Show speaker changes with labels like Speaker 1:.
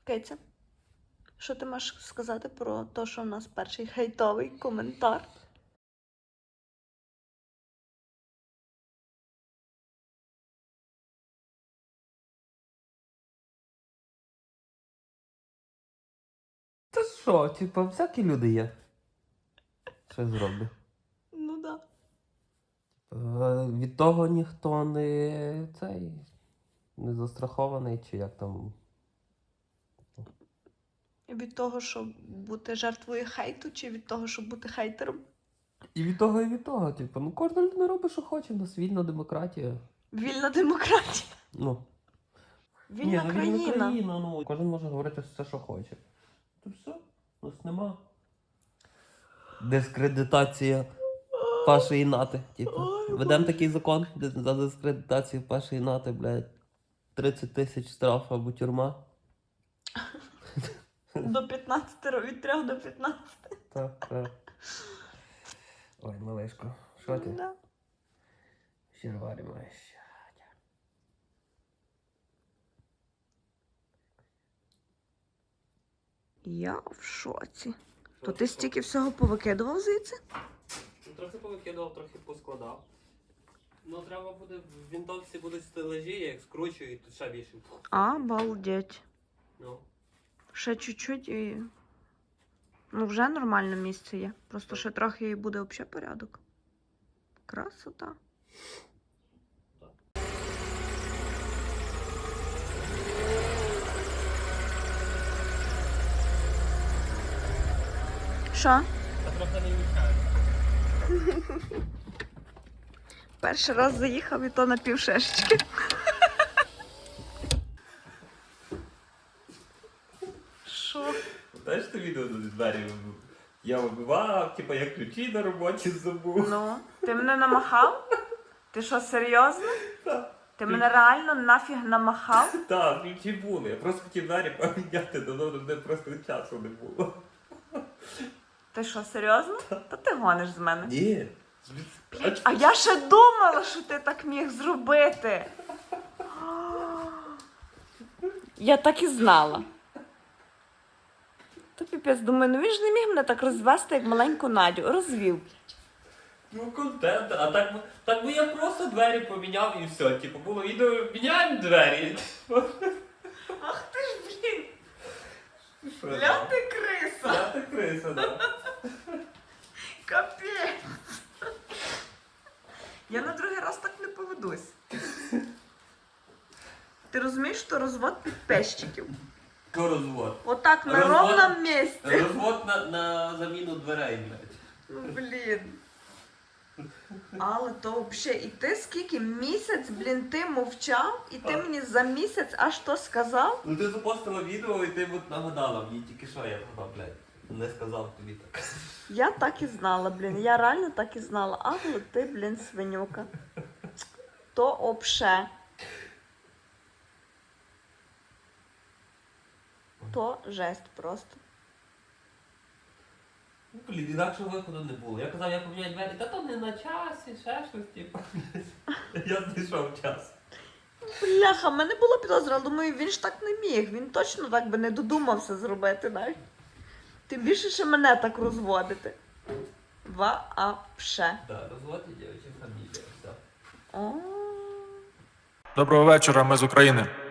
Speaker 1: Киця, що ти маєш сказати про те, що в нас перший хейтовий коментар?
Speaker 2: Та що, типа, всякі люди є. Що зроблю?
Speaker 1: Ну да.
Speaker 2: Від того ніхто не застрахований, чи як там.
Speaker 1: Від того, щоб бути жертвою хейту, чи від того, щоб бути хейтером?
Speaker 2: І від того, і від того. Типу, ну кожна людина робить, що хоче, у нас вільна демократія.
Speaker 1: Вільна демократія.
Speaker 2: Ну.
Speaker 1: Вільна країна.
Speaker 2: Вільна країна, ну. Кожен може говорити все, що хоче. То все, у нас нема. Дискредитація Паші і Нати. Типу. Ведемо такий закон за дискредитацію Паші і Нати, блядь. 30 тисяч штраф або тюрма.
Speaker 1: До 15, від 3 до 15.
Speaker 2: Так, так. Ой, малишко, що ти?
Speaker 1: Да.
Speaker 2: Щерварі маєш.
Speaker 1: Я в шоці. То ти стільки всього повикидував звідси?
Speaker 2: Ну, трохи повикидав, трохи поскладав. Ну, треба буде, в вінтовці будуть стележі, я їх скручую і тут ще більше.
Speaker 1: Обалдеть.
Speaker 2: Ну.
Speaker 1: Ще чуть-чуть і... Ну, вже нормальне місце є. Просто ще трохи і буде взагалі порядок. Красота. Що?
Speaker 2: Та трохи не мішає.
Speaker 1: Перший раз заїхав і то на півшешечки. Що?
Speaker 2: Знаєш, ти відео на двері я вибивав, типу, я ключі на роботі забув.
Speaker 1: Ну, ти мене намахав? Ти що, серйозно?
Speaker 2: Так.
Speaker 1: Ти мене реально нафіг намахав?
Speaker 2: Так, ключі були. Я просто хотів двері поміняти, давно де просто часу не було.
Speaker 1: Ти що, серйозно? Та ти гониш з мене.
Speaker 2: Ні.
Speaker 1: А я ще думала, що ти так міг зробити. Я так і знала. Та піпець, думаю, ну він ж не міг мене так розвести, як маленьку Надю. Розвів.
Speaker 2: Ну, контент, а так би я просто двері поміняв і все. Типу, було відео, міняємо двері.
Speaker 1: Ах ти ж, блін,
Speaker 2: Що
Speaker 1: ля
Speaker 2: там?
Speaker 1: ти криса.
Speaker 2: Я так криса, да.
Speaker 1: Капець. Я на другий раз так не поведусь. Ти розумієш, що розвод підписчиків?
Speaker 2: Що розвод?
Speaker 1: Отак на
Speaker 2: Розвод?
Speaker 1: ровному місці.
Speaker 2: Розвод на заміну дверей, блядь.
Speaker 1: Ну, блін. Але то взагалі, і ти скільки місяць, блін, ти мовчав, і ти мені за місяць аж то сказав?
Speaker 2: Ну ти запостила відео і ти от нагадала мені тільки що я сказав, блядь. Не сказав тобі так.
Speaker 1: Я так і знала, блін, я реально так і знала. Але ти, блін, свинюка. То обше. То жесть просто.
Speaker 2: Ну, блін, інакшого виходу не було. Я казав, я поміняю двері, та то не на часі, ще щось, типу. Я знайшов час.
Speaker 1: Бляха, в мене була підозра, але думаю, він ж так не міг. Він точно так би не додумався зробити навіть. Тим більше, що мене так розводити. Вообще.
Speaker 2: Так, розвод і дівчина фамілія, все.
Speaker 1: О.
Speaker 3: Доброго вечора, ми з України.